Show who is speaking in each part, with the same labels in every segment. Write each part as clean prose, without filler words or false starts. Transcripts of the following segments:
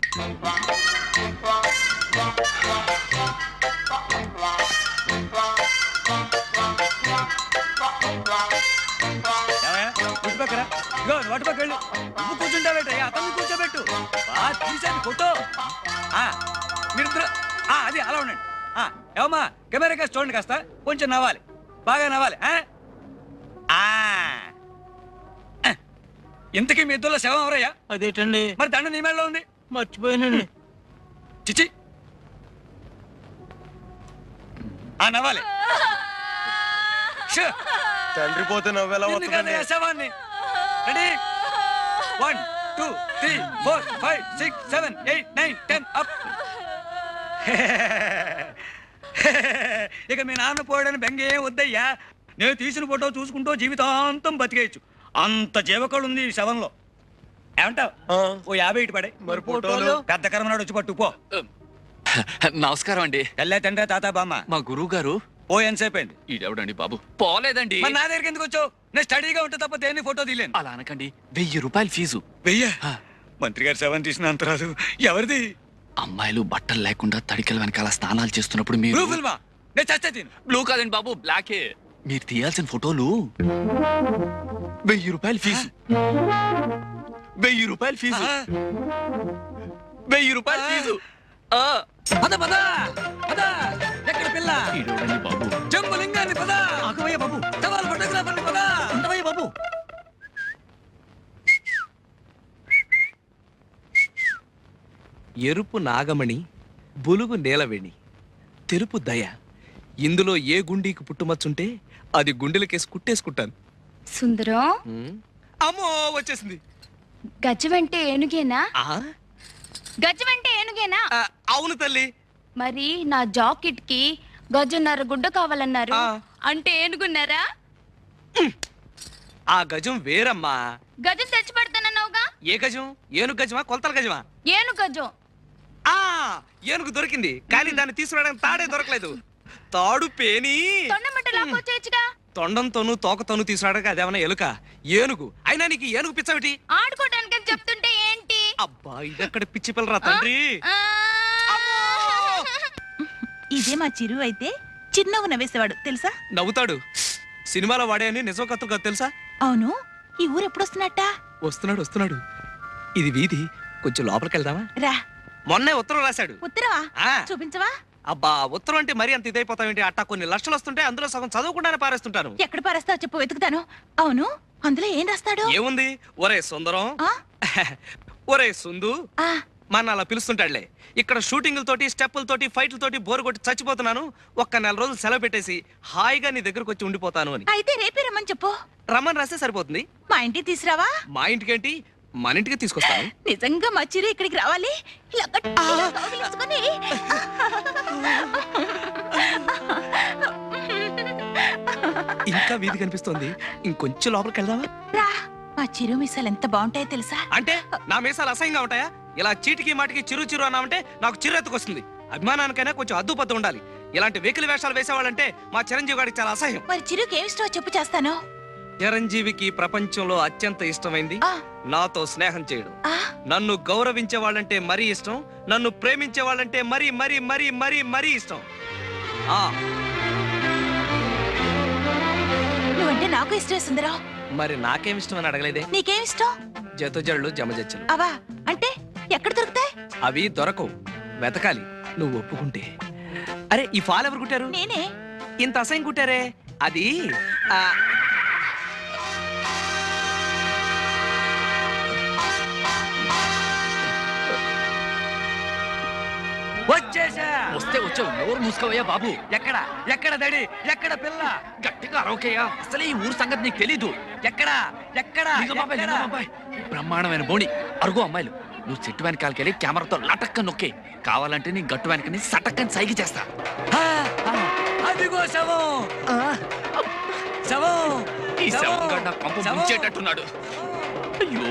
Speaker 1: పక్కరా ఇగో వాటి పక్క వెళ్ళు. నువ్వు కూర్చుంటావేట అతను కూర్చోబెట్టు. బాగా తీసేది ఫోటో. మీరిద్దరు అది అలా ఉండండి. ఏమమ్మా కెమెరా కాస్త చూడండి, కాస్త కొంచెం నవ్వాలి, బాగా నవ్వాలి. ఇంతకీ మీ ఇద్దరులో శవం ఎవరయ్యా?
Speaker 2: అదేటండి
Speaker 1: మరి దండ నీ మేడలో ఉంది.
Speaker 2: మర్చిపోయానండి.
Speaker 1: చిచి నవ్వాలి.
Speaker 3: తండ్రి పోతే నవ్వేలా
Speaker 1: శవాన్ని. Ready 1 2 3 4 5 6 7 8 9 10 up. ఇక మీ నాన్న పోయాడని బెంగ ఏం వద్దయ్యా. నేను తీసిన ఫోటో చూసుకుంటూ జీవితాంతం బతికేయచ్చు. అంత జీవకళ ఉంది ఈ శవంలో. ఏమంటావు? ఓ 50 ఇటు పడే.
Speaker 3: మరి ఫోటోలు
Speaker 1: పెద్ద కర్మనాడు వచ్చి పట్టుపో.
Speaker 4: నమస్కారం అండి.
Speaker 1: తెల్లే తండ్రి తాత బామ్మ.
Speaker 4: మా గురువు గారు
Speaker 1: ఓ ఎంతసేపు అయింది?
Speaker 4: ఈడెవడండి బాబు? పోలేదండి.
Speaker 1: నా దగ్గరికి ఎందుకు వచ్చావు? నేను స్టడీగా ఉంటే తప్ప దేన్ని ఫోటో తీలేను.
Speaker 4: అలా అనకండి. 1000 రూపాయలు ఫీజు.
Speaker 1: 1000? మంత్రి గారు శవం తీసిన అంత రాదు. ఎవరిది?
Speaker 4: అమ్మాయిలు బట్టలు లేకుండా తడికల వెనకాల స్నానాలు చేస్తున్నప్పుడు మీరు
Speaker 1: నేను చస్తే తిను.
Speaker 4: బ్లూ కాదండి బాబు, బ్లాకే. మీరు తీయాల్సిన ఫోటోలు 1000 రూపాయలు ఫీజు. 1000 రూపాయలు ఫీజు. 1000 రూపాయలు ఫీజు.
Speaker 1: పద పద పద. ఎక్కడ పిల్ల?
Speaker 4: ఈడెవడండి బాబు?
Speaker 1: జంబులింగాన్ని పద.
Speaker 2: ఆగవయ్య బాబు.
Speaker 1: సవాల్ ఫోటోగ్రాఫర్ని పద.
Speaker 2: ఉండవయ్య బాబు.
Speaker 5: ఎరుపు నాగమణి, బులుగు నేలవేణి, తెరుపు దయ. ఇందులో ఏ గుండీకి పుట్టుమచ్చుంటే అది గుండెలకేసి కుట్టేసుకుంటాను.
Speaker 6: సుందరం,
Speaker 5: అమ్మో వచ్చేసింది.
Speaker 6: గజమంటే ఏనుగేనా? గజమంటే ఏనుగేనా?
Speaker 5: అవును తల్లి.
Speaker 6: మరి నా జాకెట్ కి గజన్నర గుడ్డ కావాలన్నారు. అంటే ఏనుగున్నారా?
Speaker 5: ఆ గజం వేరమ్మా.
Speaker 6: గజం తెచ్చి పెడతానన్నావుగా.
Speaker 5: ఏ గజం? ఏనుగు గజమా కొలతల గజమా?
Speaker 6: ఏనుగు గజం.
Speaker 5: ఏనుగు దొరికింది, కానీ దాన్ని తీసుకురావడానికి తాడే దొరకలేదు. తాడు పేని
Speaker 6: తొండమట్ట లాక్కొచ్చేచ్చుగా.
Speaker 5: తొండంతోనూ తోకతోనూ తీసుకురావడానికి అదేమన్నా ఎలుక? ఏనుగు అయినా నీకు ఏనుగు పిచ్చవిటి?
Speaker 6: ఆడుకోవడానికి చెప్తుంటే ఏంటి?
Speaker 5: అబ్బా ఇదెక్కడ పిచ్చి పిల్లరా తండ్రి.
Speaker 7: ఇదే మా చిరు అయితే చిన్నగా నవ్వేసేవాడు తెలుసా?
Speaker 5: నవ్వుతాడు. సినిమాలో వాడే అని నిజం కథలు కాదు తెలుసా?
Speaker 7: అవును. ఈ ఊరు ఎప్పుడు వస్తున్నట్ట?
Speaker 5: వస్తున్నాడు వస్తున్నాడు. ఇది వీధి, కొంచెం లోపలికి వెళ్దామా?
Speaker 7: రా.
Speaker 5: మొన్నే ఉత్తరం రాశాడు.
Speaker 7: ఉత్తరవా? చూపించవా?
Speaker 5: అబ్బా ఉత్తరం అంటే మరీ అంత ఇదైపోతావేంటి? అట్టా కొన్ని లక్షలు వస్తుంటే అందులో సగం చదవకుండానే పారేస్తుంటాను.
Speaker 7: ఎక్కడ పారేస్తావు చెప్పు, వెతుకుతాను. అవును, అందులో ఏం రాస్తాడు?
Speaker 5: ఏముంది? ఒరే సుందరం, ఒరే సుందు మన అలా పిలుస్తుంటాడులే. ఇక్కడ షూటింగులతోటి స్టెప్పులతోటి ఫైట్లతోటి బోరు కొట్టి చచ్చిపోతున్నాను. ఒక్క 4 రోజులు సెలవు పెట్టేసి హాయిగా నీ దగ్గరకు వచ్చి ఉండిపోతాను అని.
Speaker 7: అయితే రేపే రమ్మని చెప్పు.
Speaker 5: రమ్మని రాస్తే సరిపోతుంది.
Speaker 7: మా ఇంటికి తీసురావా?
Speaker 5: మా ఇంటికేంటి, మన ఇంటికి తీసుకొస్తాను.
Speaker 7: నిజంగా మా చిరు ఇక్కడికి రావాలి. ఇలా కౌగిలించుకొని.
Speaker 5: ఇంకా వీధి కనిపిస్తోంది, ఇంకొంచెం లోపలికి వెళ్దామా?
Speaker 7: రా. మా చిరు మీసాలు ఎంత బాగుంటాయో తెలుసా?
Speaker 5: అంటే నా మీసాలు అసహ్యంగా ఉంటాయా? ఇలా చీటికి మాటికి చిరు చిరు అన్నామంటే నాకు చిరెత్తుకొస్తుంది. అభిమానానికైనా కొంచెం అద్దుపద్దు ఉండాలి. ఇలాంటి వెకిలి వేషాలు వేసేవాళ్ళంటే మా చిరంజీవి గారికి చాలా అసహ్యం.
Speaker 7: మరి చిరుకి ఏమి ఇష్టమో చెప్పు, చేస్తాను.
Speaker 5: చిరంజీవికి ప్రపంచంలో అత్యంత ఇష్టమైంది నాతో స్నేహం చేయడం. నన్ను గౌరవించే వాళ్ళంటే మరీ ఇష్టం, నన్ను ప్రేమించే వాళ్ళంటే మరీ మరీ మరీ మరీ మరీ ఇష్టం.
Speaker 7: నువ్వంటే నాకు ఇష్టమే సుందరం.
Speaker 5: మరి నాకేం ఇష్టం అని అడగలేదే?
Speaker 7: నీకేం ఇష్టం?
Speaker 5: జతజళ్ళు జమజచ్చలు.
Speaker 7: అవా అంటే ఎక్కడ దొరుకుతాయి?
Speaker 5: అవి దొరకవు, వెతకాలి. నువ్వు ఒప్పుకుంటే. అరే ఈ ఫాల్ ఎవరు కుట్టారు?
Speaker 7: నేనే.
Speaker 5: ఇంత అసహ్యం కుట్టారే? అది
Speaker 1: వచ్చేసా.
Speaker 4: వస్తే వచ్చావు, నోరు మూసుకోవయ్యా బాబు.
Speaker 1: ఎక్కడ ఎక్కడ దడి, ఎక్కడ పిల్ల?
Speaker 4: గట్టిగా అరవకయ్యా, అసలే ఈ ఊరు సంగతి నీకు తెలీదు.
Speaker 1: ఎక్కడ ఎక్కడ?
Speaker 4: బ్రహ్మాండమైన బోణి, అరుగు అమ్మాయిలు. నువ్వు చెట్టు వెనకాలకెళ్ళి కెమెరాతో లటక్క నొక్కే. కావాలంటే నీ గట్టు వెనకని సటక్కని సైకి చేస్తా.
Speaker 1: అదిగో శవం. శవం.
Speaker 4: ఈ శవం గడ్డ పంప ముంచేటట్టున్నాడు. అయ్యో,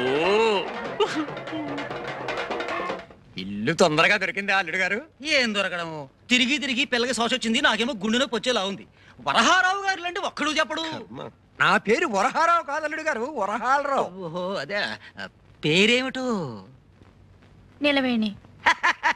Speaker 1: ఇల్లు తొందరగా దొరికింది అల్లుడు గారు.
Speaker 2: ఏం దొరకడము, తిరిగి తిరిగి పిల్లకి శోష వచ్చింది. నాకేమో గుండె నొప్పి వచ్చేలా ఉంది. వరహారావు గారు లాంటి ఒక్కడు చెప్పడు.
Speaker 1: నా పేరు వరహారావు కాదు అల్లుడు గారు, వరహాలరావు.
Speaker 2: ఓహో అదే. పేరేమిటో?
Speaker 6: నిలవేణి.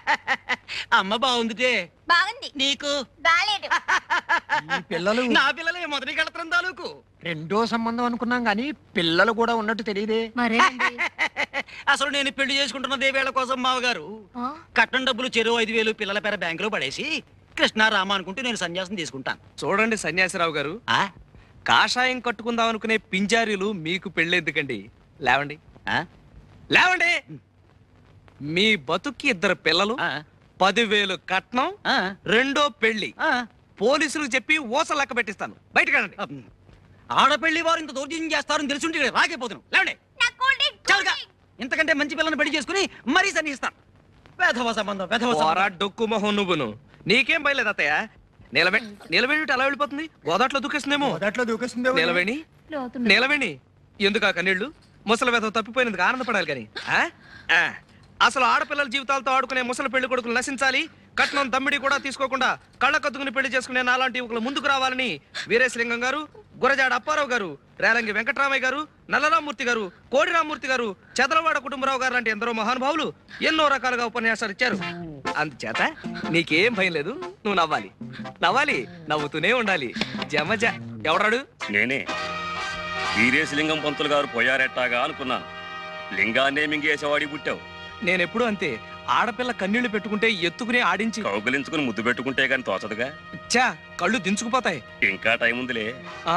Speaker 2: అమ్మ బాగుందిటే
Speaker 6: బాగుంది.
Speaker 2: నీకు
Speaker 6: బాలేదు.
Speaker 8: పిల్లలు
Speaker 2: నా పిల్లలే మొదటి కళత్రం తాలూకు.
Speaker 8: రెండో సంబంధం అనుకున్నాం గానీ పిల్లలు కూడా ఉన్నట్టు తెలియదే.
Speaker 6: మరేనండి.
Speaker 2: అసలు నేను పెళ్లి చేసుకుంటున్నదే వేళ కోసం మావగారు కట్నం డబ్బులు చెరువు 5,000 పిల్లల పేర బ్యాంకులో పడేసి కృష్ణారామ అనుకుంటూ నేను సన్యాసం తీసుకుంటాను.
Speaker 5: చూడండి సన్యాసిరావు గారు,
Speaker 2: ఆ?
Speaker 5: కాషాయం కట్టుకుందాం అనుకునే పింజారీలు మీకు పెళ్ళెందుకండి? లేవండి,
Speaker 2: ఆ?
Speaker 5: లేవండి. మీ బతుక్కి 2 పిల్లలు,
Speaker 2: ఆ?
Speaker 5: 10,000 కట్నం,
Speaker 2: ఆ?
Speaker 5: రెండో పెళ్లి.
Speaker 2: ఆ?
Speaker 5: పోలీసులకు చెప్పి ఓస లెక్క పెట్టిస్తాను. బయటకెళ్ళండి.
Speaker 2: ఆడపెళ్లి వారు ఇంత దౌర్జన్యం చేస్తారని తెలుసుంటే ఇక్కడ రాకపోతున్నాను. లేవండి. చాలుగా. ఇంతకంటే మంచి పిల్లని పెళ్లి చేసుకుని మరీ సన్నిస్తాను. వేధవ సంబంధం, వేధవ
Speaker 5: పోరా
Speaker 2: సంబంధం.
Speaker 5: డొక్కు మొహం నువ్వును. నీకేం భయలేదు అత్తయ్య. నిలబెట్టి అలా వెళ్ళిపోతుంది. గోదాట్లో దూకేస్తుందేమో.
Speaker 8: మొదట్లో దూకేస్తుంది.
Speaker 5: నిలవేణి, నిలవేణి, ఎందుకు ఆ కన్నీళ్లు? ముసలి వేధం తప్పిపోయినందుకు ఆనందపడాలి కానీ అసలు ఆడపిల్లల జీవితాలతో ఆడుకునే ముసలి పెళ్లి కొడుకులు నశించాలి. కట్నం దమ్మిడి కూడా తీసుకోకుండా కళ్ళ కత్తుకుని పెళ్లి చేసుకునే నాలాంటి యువకులు ముందుకు రావాలని వీరేశలింగం గారు, గురజాడ అప్పారావు గారు, రేలంగి వెంకటరామయ్య గారు, నల్లరామూర్తి గారు, కోడిరామూర్తి గారు, చదలవాడ కుటుంబరావు గారు లాంటి ఎందరో మహానుభావులు ఎన్నో రకాలుగా ఉపన్యాసాలు ఇచ్చారు. అందుచేత నీకేం భయం లేదు. నువ్వు నవ్వాలి, నవ్వాలి, నవ్వుతూనే ఉండాలి. జమజ. ఎవడాడు?
Speaker 9: నేనే. వీరేశలింగం పంతులు గారు పోయారెట్టాగా అనుకున్నాను. లింగాన్నే మింగేసేవాడి పుట్టావు.
Speaker 5: నేనెప్పుడు అంతే. ఆడపిల్ల కన్నీళ్లు పెట్టుకుంటే ఎత్తుకుని ఆడించి
Speaker 9: కౌగులించుకుని ముద్దు పెట్టుకుంటే గాని తోచదుగా.
Speaker 5: చా కళ్ళు దించుకుపోతాయి.
Speaker 9: ఇంకా టైం ఉందిలే.
Speaker 5: ఆ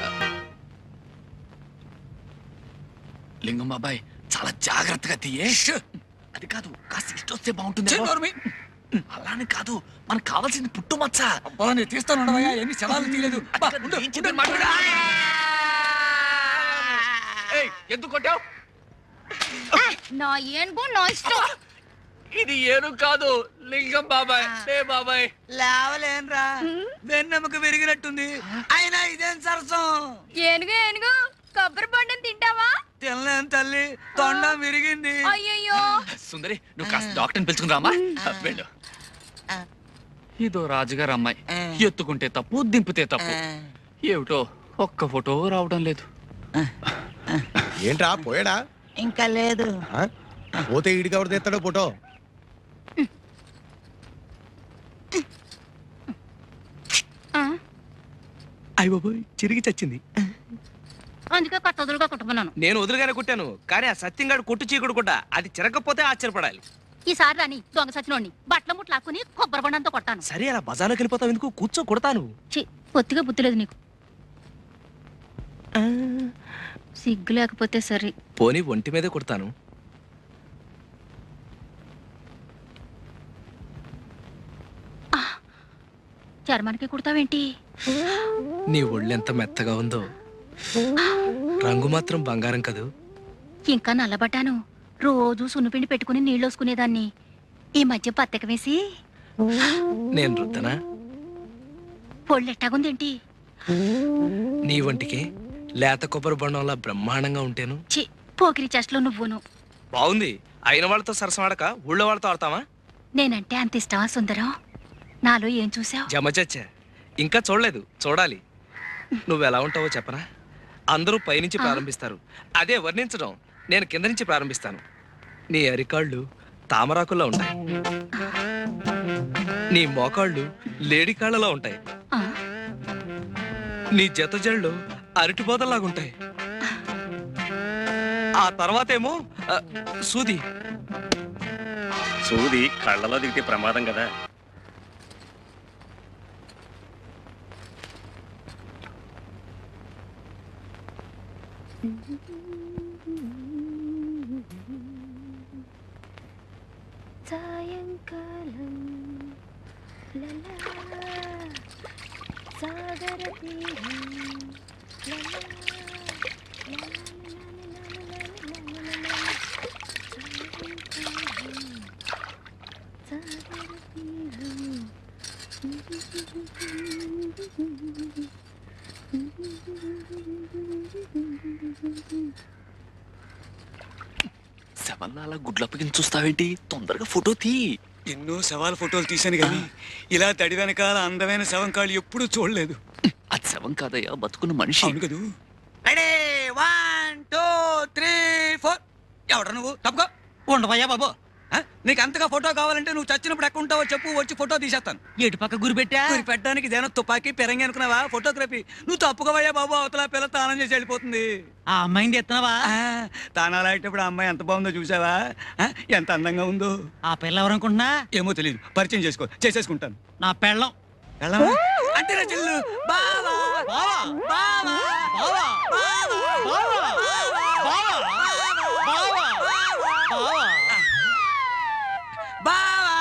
Speaker 4: లింగం బాబాయ్ చాలా జాగ్రత్తగా తీయే. అది కాదు, కాస్త ఇష్టం వస్తే బాగుంటుంది. అలానే కాదు, మనకు కావాల్సింది పుట్టుమచ్చ.
Speaker 1: నేను తీస్తాను. ఎన్ని శవాలు తీయలేదు.
Speaker 4: ఎందుకు కొట్టావు?
Speaker 6: నా ఏనుగు నా ఇష్టం.
Speaker 4: ఇది ఏను కాదు, లింగం బాబాయ్. బాబాయ్
Speaker 1: లేవలేనరా, వెన్నెముక విరిగినట్టుంది. అయినా ఇదేం సరసం?
Speaker 6: ఏనుగు ఏనుగు కొబ్బరి పండుని తింటావా?
Speaker 1: తినలేను తల్లి, తొండం విరిగింది.
Speaker 6: అయ్యయ్యో.
Speaker 4: సుందరి, నువ్వు కాస్త డాక్టర్ని పిలుచుకుని రామా. వెళ్ళు. ఇదో రాజుగారు అమ్మాయి. ఎత్తుకుంటే తప్పు, దింపితే తప్పు. ఏమిటో ఒక్క ఫోటో రావడం లేదు.
Speaker 3: ఏంట్రా పోయాడా?
Speaker 7: ఇంకా లేదు.
Speaker 3: పోతే ఈడికి ఎవరు తెస్తాడో ఫోటో?
Speaker 5: అయ్య బాబోయ్, చిరిగి చచ్చింది.
Speaker 6: అందుకే కొత్త వదులుగా కుట్టుకున్నాను.
Speaker 5: నేను వదులుగానే కుట్టాను, కానీ ఆ సత్యంగాడు కొట్టు చీకుడు కూడా. అది చిరగకపోతే ఆశ్చర్యపడాలి.
Speaker 6: ఈసారి రాని దొంగ సచ్చినోడిని బట్టల ముట్లు లాక్కుని కొబ్బరి బండంతో కొట్టాను.
Speaker 5: సరే, అలా బజార్లోకి వెళ్ళిపోతావు ఎందుకు? కూర్చో, కొడతాను.
Speaker 6: పొత్తిగా బుద్ధి లేదు నీకు. సిగ్గు లేకపోతే సరే.
Speaker 5: పోనీ ఒంటి మీదే కొడతాను.
Speaker 6: చర్మానికి కుడతావేంటి?
Speaker 5: నీ ఒళ్ళెంత మెత్తగా ఉందో. రంగు మాత్రం బంగారం కదూ.
Speaker 6: ఇంకా నల్లబడ్డాను. రోజు సున్నుపిండి పెట్టుకుని నీళ్ళు వసుకునేదాన్ని. ఈ మధ్య పత్తెక వేసి
Speaker 5: నేను రుద్దనా?
Speaker 6: పొళ్ళెట్టాగుందేంటి?
Speaker 5: నీ ఒంటికి లేత కొబ్బరి బొండంలా బ్రహ్మాండంగా ఉంటేను.
Speaker 6: చి పోకిరి చెస్ట్లో నువ్వును.
Speaker 5: బాగుంది. అయిన వాళ్ళతో సరసం ఆడక ఊళ్ళో వాళ్ళతో ఆడతావా?
Speaker 6: నేనంటే అంత ఇష్టమా సుందరం? నాలో ఏం చూసావు?
Speaker 5: జమచచ్చ, ఇంకా చూడలేదు, చూడాలి. నువ్వెలా ఉంటావో చెప్పనా? అందరూ పైనుంచి ప్రారంభిస్తారు, అదే వర్ణించడం నేను కింద నుంచి ప్రారంభిస్తాను. నీ అరికాళ్ళు తామరాకుల్లో ఉంటాయి, నీ మోకాళ్ళు లేడికాళ్ళలా ఉంటాయి, నీ జత జళ్ళు అరటిపోతల్లాగుంటాయి. ఆ తర్వాతేమో సూది.
Speaker 9: సూది కళ్ళలో దిగితే ప్రమాదం కదా.
Speaker 6: సాయంకాలం సాగర
Speaker 4: శవల్లా అలా గుడ్లప్పగిని చూస్తావేంటి? తొందరగా ఫోటో తీ.
Speaker 1: ఎన్నో శవాల ఫోటోలు తీశాను కానీ ఇలా తడి వెనకాల అందమైన శవం కాళ్ళు ఎప్పుడూ చూడలేదు.
Speaker 4: అది శవం కాదయ్యా, బతుకున్న మనిషి.
Speaker 1: అవును కదూ. 1 2 3 4. ఎవడ నువ్వు? తప్పుకో.
Speaker 2: ఉండవయ్యా బాబు.
Speaker 1: నీకు అంతగా ఫోటో కావాలంటే నువ్వు చచ్చినప్పుడు ఎక్కడ ఉంటావో చెప్పు, వచ్చి ఫోటో తీసేస్తాను.
Speaker 2: ఎటు పక్క గురి పెట్టా
Speaker 1: గురి పెట్టడానికి ఇదేనా తుపాకీ పెరంగి అనుకున్నావా? ఫోటోగ్రఫీ నువ్వు తప్పుకోవయ్యా బాబు, అవతల పిల్ల తానం చేసి వెళ్ళిపోతుంది.
Speaker 2: ఆ అమ్మాయిని ఎత్తనావా?
Speaker 1: తానాలు అయ్యేటప్పుడు ఆ అమ్మాయి ఎంత బాగుందో చూసావా? ఎంత అందంగా ఉందో.
Speaker 2: ఆ పిల్ల ఎవరనుకుంటున్నా?
Speaker 1: ఏమో తెలియదు, పరిచయం చేసేసుకుంటాను.
Speaker 2: నా పెళ్ళం.
Speaker 1: అంటే నా చెల్లు బావా బావా బావా బావా బావా బావా బావా బావా బావా.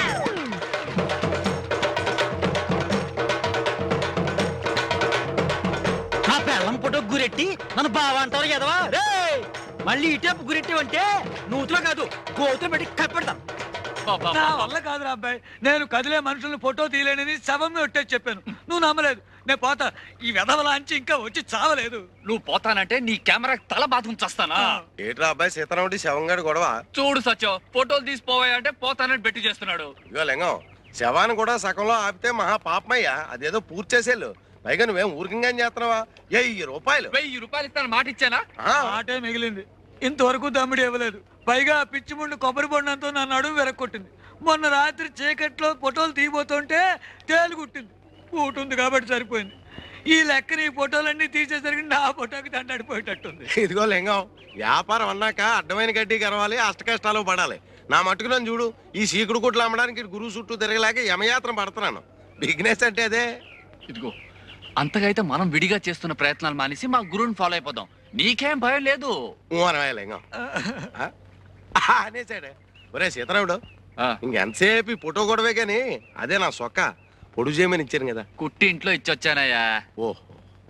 Speaker 2: నా పెళ్ళం ఫోటో గురెట్టి నన్ను బావా అంటారు కదవా? మళ్ళీ ఇటేపు గురెట్టివంటే నూతులో కాదు కోతులు పెట్టి కప్పెడతా.
Speaker 1: నా వల్ల కాదురా అబ్బాయి, నేను కదిలే మనుషుల్ని ఫోటో తీయలేనని శవం ఒట్టేసి చెప్పాను. నువ్వు నమ్మలేదు. నేను పోతా. ఈ వెధవలాంచి ఇంకా వచ్చి చావలేదు.
Speaker 4: నువ్వు పోతానంటే నీ కెమెరా తల బాత్రూమ్ చస్తానా?
Speaker 3: ఏట్రా అబ్బాయి సీతారాముడి శవంగాడి గొడవ?
Speaker 4: చూడు సత్యం, ఫోటోలు తీసిపోవాయంటే పోతానని బెట్టి చేస్తున్నాడు.
Speaker 3: ఇగో లింగం, శవాన్ని కూడా సగంలో ఆపితే మహా పాపమయ్యా. అదేదో పూర్తి చేసేళ్ళు. పైగా నువ్వేం ఊరికంగా చేస్తున్నావా? 1000 రూపాయలు.
Speaker 4: 1000 రూపాయలు ఇస్తాను మాట ఇచ్చానా?
Speaker 1: ఆటే మిగిలింది. ఇంతవరకు దమ్ముడు ఇవ్వలేదు. పైగా పిచ్చి ముండు కొబ్బరి బొండంతో నా నడుము వెరక్కొట్టింది. మొన్న రాత్రి చీకట్లో ఫోటోలు తీయబోతుంటే తేలుగుట్టింది. కూటుంది కాబట్టి సరిపోయింది. ఈ లెక్కన ఈ ఫోటోలన్నీ తీసేసరికి నా ఫోటోకి దండడిపోయేటట్టుంది.
Speaker 3: ఇదిగో లింగం, వ్యాపారం అన్నాక అడ్డమైన గడ్డి గరవాలి, అష్ట కష్టాలు పడాలి. నా మట్టుకు నన్ను చూడు, ఈ సీకుడు కుట్లు అమ్మడానికి గురువు చుట్టూ తిరగలేక యమయాత్ర పడుతున్నాను. బిజినెస్ అంటే అదే.
Speaker 4: ఇదిగో, అంతగా అయితే మనం విడిగా చేస్తున్న ప్రయత్నాలు మానేసి మా గురువుని ఫాలో అయిపోదాం. నీకేం భయం లేదు.
Speaker 3: అనవయ్య లింగం అనేసాడే. ఒరే సీతారాముడు,
Speaker 4: ఆ,
Speaker 3: ఇంకెంతసేపు ఈ ఫోటో గొడవే కానీ అదే నా సొక్క పొడుగు చేయమని ఇచ్చాను కదా.
Speaker 4: కుట్టి ఇంట్లో ఇచ్చొచ్చానయ్యా.
Speaker 3: ఓహో,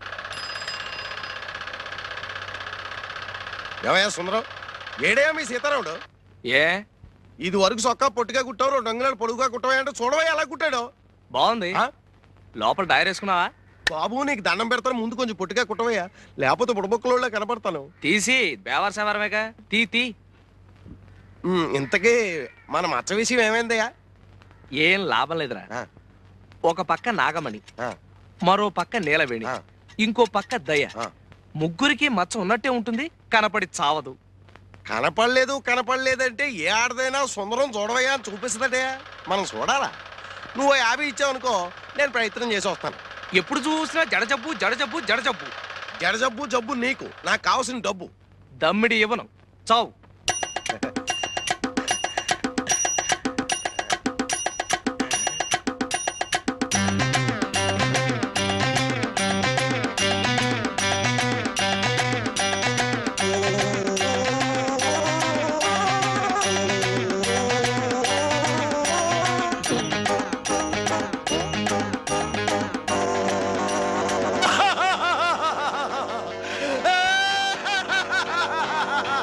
Speaker 3: ఏమయ్యా సుందరం, ఏడేయా మీ సీతారాముడు?
Speaker 5: ఏ
Speaker 3: ఇది వరకు సొక్క పొట్టిగా కుట్టావు, 2 అంగుళాలు పొడుగుగా కుట్టవా అంటే చూడవా ఎలా కుట్టాడు.
Speaker 5: బాగుంది.
Speaker 3: ఆ?
Speaker 5: లోపల డైర్ వేసుకున్నావా?
Speaker 3: బాబు నీకు దండం పెడతాను, ముందు కొంచెం పొట్టిగా కుట్టవయ్యా, లేకపోతే బుడబొక్కలో కనపడతాను.
Speaker 5: తీసి బేవర్ సేవరమేగా తీ.
Speaker 3: ఇంతకీ మన మచ్చ విషయం ఏమైందయ్యా?
Speaker 5: ఏం లాభం లేదురా.
Speaker 3: ఆ,
Speaker 5: ఒక పక్క నాగమణి,
Speaker 3: ఆ,
Speaker 5: మరో పక్క నీలవేణి,
Speaker 3: ఆ.
Speaker 5: ఇంకో పక్క దయ.
Speaker 3: ఆ.
Speaker 5: ముగ్గురికి మచ్చ ఉన్నట్టే ఉంటుంది, కనపడి చావదు.
Speaker 3: కనపడలేదంటే ఏ ఆడదైనా సుందరం చూడవయ్యా అని చూపిస్తుందటే. మనం చూడాలా? నువ్వు 50 ఇచ్చావనుకో, నేను ప్రయత్నం చేసి వస్తాను.
Speaker 5: ఎప్పుడు చూసినా జడజబ్బు జడజబ్బు జడజబ్బు.
Speaker 3: జడజబ్బు జబ్బు నీకు, నాకు కావాల్సిన డబ్బు.
Speaker 5: దమ్మిడి ఇవ్వను, చావు.